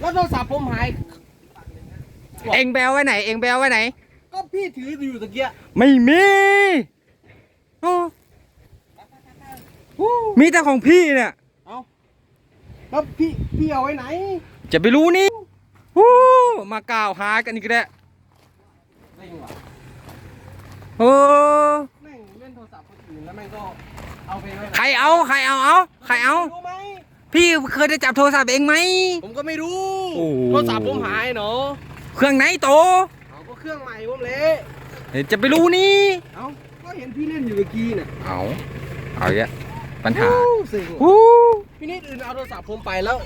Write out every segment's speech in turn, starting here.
แล้วโทรศัพท์ผมหายเอ็งแบลไว้ไหนเอ็งแบลไว้ไหนก็พี่ถืออยู่ตะเกียไม่มีโอ้มีแต่ของพี่เนี่ยเอาแล้วพี่เอาไว้ไหนจะไปรู้นี่มากล่าวหากันอีกแล้วโอ้แม่งเล่นโทรศัพท์คนอื่นแล้วแม่งก็เอาไปไว้ใครเอารู้ไหมพี่เคยได้จับโทรศัพท์เองไหมผมก็ไม่รู้โทรศัพท์ผมหายเนาะเครื่องไหนโตเอาก็เครื่องใหม่ผมเละจะไปรู้นี่เอาก็เห็นพี่เล่นอยู่เมื่อกี้น่ะเอาเยอะปัญหาพี่นิดอื่นเอาโทรศัพท์ผมไปแล้ว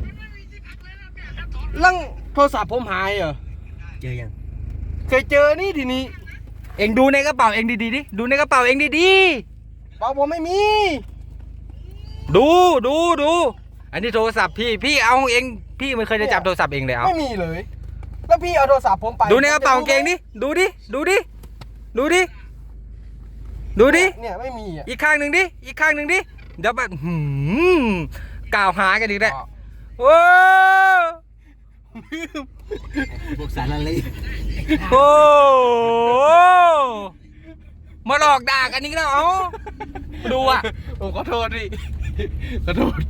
ลังโทรศัพท์ผมหายเหรอเจอยังเคยเจอนี่ทีนี้เอ็งดูในกระเป๋าเอ็งดีๆดิดูในกระเป๋าเอ็งดีเปล่าผมไม่มีดูอันนี้โทรศัพท์พี่เอาเองพี่ไม่เคยได้จับโทรศัพท์เองเลยเอาไม่มีเลยแล้วพี่เอาโทรศัพท์ผมไปดูในกระเป๋าเกงดิดูดิเนี่ยไม่มีอ่ะอีกข้างหนึ่งดิเดี๋ยวแบบกล่าวหากันอีกแล้วโอ้พวกสารอะไรโอ้มาหลอกด่ากันอีกแล้วเอาดูอ่ะผมขอโทษดิขอโทษ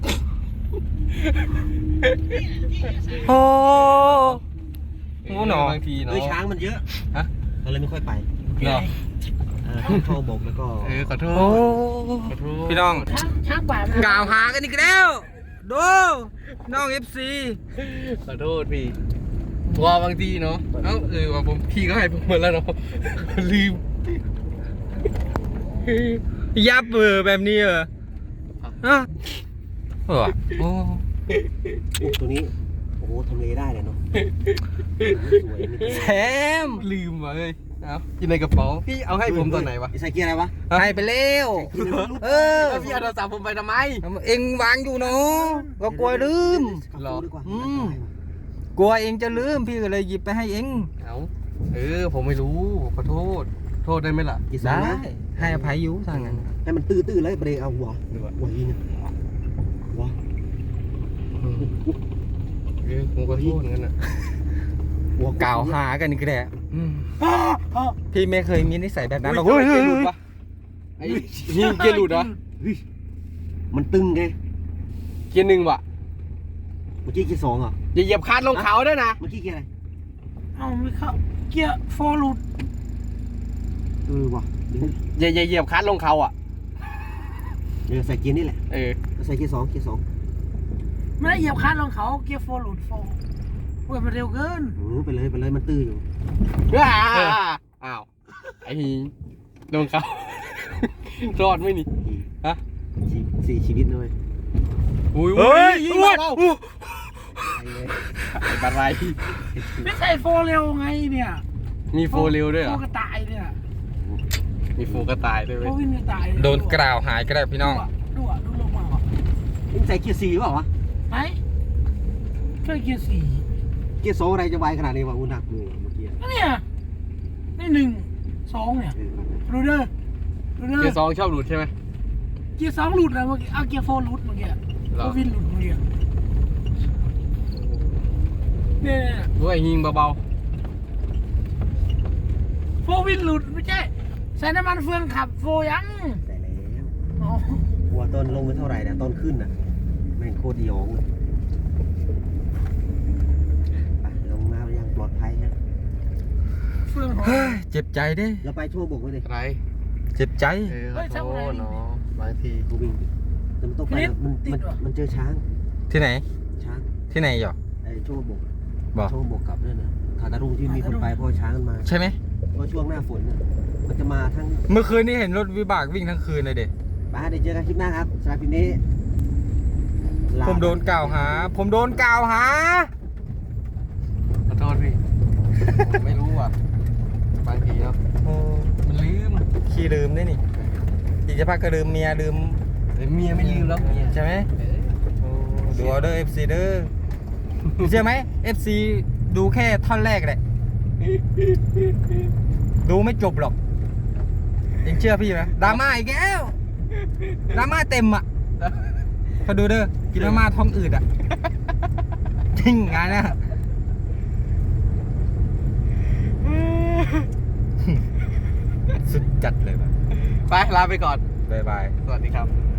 โอ้หนอบางทีเนาะช้างมันเยอะฮะเราเลยไม่ค่อยไปเนาะเข้าบกแล้วก็ขอโทษพี่น้องกล่าวหากันอีกแล้วดูน้อง FC ขอโทษพี่ว่าบางทีเนาะว่าผมพี่ก็ให้ผมหมดแล้วเนาะลืมยับแบบนี้เหรอโอ้ตัวนี้โอ้โหทำเลได้เลยเนาะแซมลืมว่ะเลยอยู่ในกระเป๋าพี่เอาให้ผมตอนไหนวะใส่เกียร์อะไรวะให้ไปแล้วแล้วพี่เอาโทรศัพท์ผมไปทำไมเอ็งวางอยู่เนาะก็กลัวลืมกลัวเอ็งจะลืมพี่ก็เลยหยิบไปให้เอ็งผมไม่รู้ขอโทษได้ไหมล่ะได้ให้อภัยอยู่ทางนั้นให้มันตื้อเลยเบรกเอาหัวยิงหัวผมก็โทษงั้นนะหัวกล่าวหากันอีกแล้วพี่ไม่เคยมีนิสัยแบบนั้นหรอกเกียร์หลุดปะไอ้นี่เกียร์หลุดเหรอมันตึงไงเกียร์หนึ่งวะเมื่อกี้เกียร์สองเหรออย่าเหยียบคานลงเขาด้วยนะเมื่อกี้เกียร์อะไรไม่เข้าเกียร์โฟร์หลุดว่ะอย่าเหยียบคานลงเขาอ่ะเดี๋ยวใส่เกียร์นี่แหละใส่เกียร์สองไม่ได้เหยียบคานลงเขาเกียร์โฟร์หลุดโฟร์เว้ยมันเร็วเกินไปเลยมันตื้ออยู่อ้าวไอ้ลงเขารอดไม่นี่ฮะ 4 ชีวิตเลยเฮ้ยยิงมาเราไอ้บันไรไม่ใช่โฟร์เร็วไงเนี่ยมีโฟร์เร็วด้วยเหรอโฟร์กระต่ายเนี่ยมีโฟร์กระต่ายด้วยโฟร์วินกระต่ายโดนกล่าวหายก็ได้พี่น้องดูลงมาใส่เกียร์4เปล่าวะไหนช่วยเกียร์4 เกียร์2อะไรจะไวขนาดนี้วะอุณหภูมิเมื่อกี้เนี่ยนี่1 2เนี่ยดูเด้อเกียร์2ชอบหลุดใช่ไหมเกียร์2หลุดนะเมื่อกี้เกียร์4หลุดเมื่อกี้โฟร์วินหลุดเมื่อกี้เนี่ยด้วยยิงเบาโฟร์วินหลุดไม่ใช่ใส่น้ำมันเฟืองขับโฟยังใส่แล้วหัวต้นลงไปเท่าไหร่นะต้นขึ้นน่ะแม่งโคตรยองลงน้ำยังปลอดภัยนะเฟืองเจ็บใจดิเราไปชั่วบกไว้ดิไรเจ็บใจขอโทษเนาะบางทีกูวิ่งแต่มันต้องไปมันเจอช้างที่ไหนช้างที่ไหนหรอไอ้ชั่วบกชั่วบกกลับด้วยนะขาตารุ่งที่มีคนไปเพราะช้างมันมาใช่ไหมเพราะช่วงหน้าฝนมันจะมาทั้งเมื่อคืนนี้เห็นรถวิบากวิ่งทั้งคืนเลยเด็กเดี๋ยวเจอกันคลิปหน้าครับสำหรับคลิปนี้ผมโดนกล่าวหาขอโทษพี่ผมไม่รู้อ่ะบางทีเนาะมันลืมขี้ลืมได้นี่อีกจะพักก็ลืมเมียลืมเมียไม่ลืมแล้วเมียใช่ไหมดูออเดอร์ FC เด้อเชื่อไหม FC ดูแค่ท่อนแรกเลยดูไม่จบหรอกยังเชื่อพี่ไหมดราม่าอีกแล้วดราม่าเต็มอ่ะเขาดูเด้อกินมาม่าท้องอืดอ่ะจริงงานเนี่ยสุดจัดเลยว่ะไปลาไปก่อนบ๊ายบายสวัสดีครับ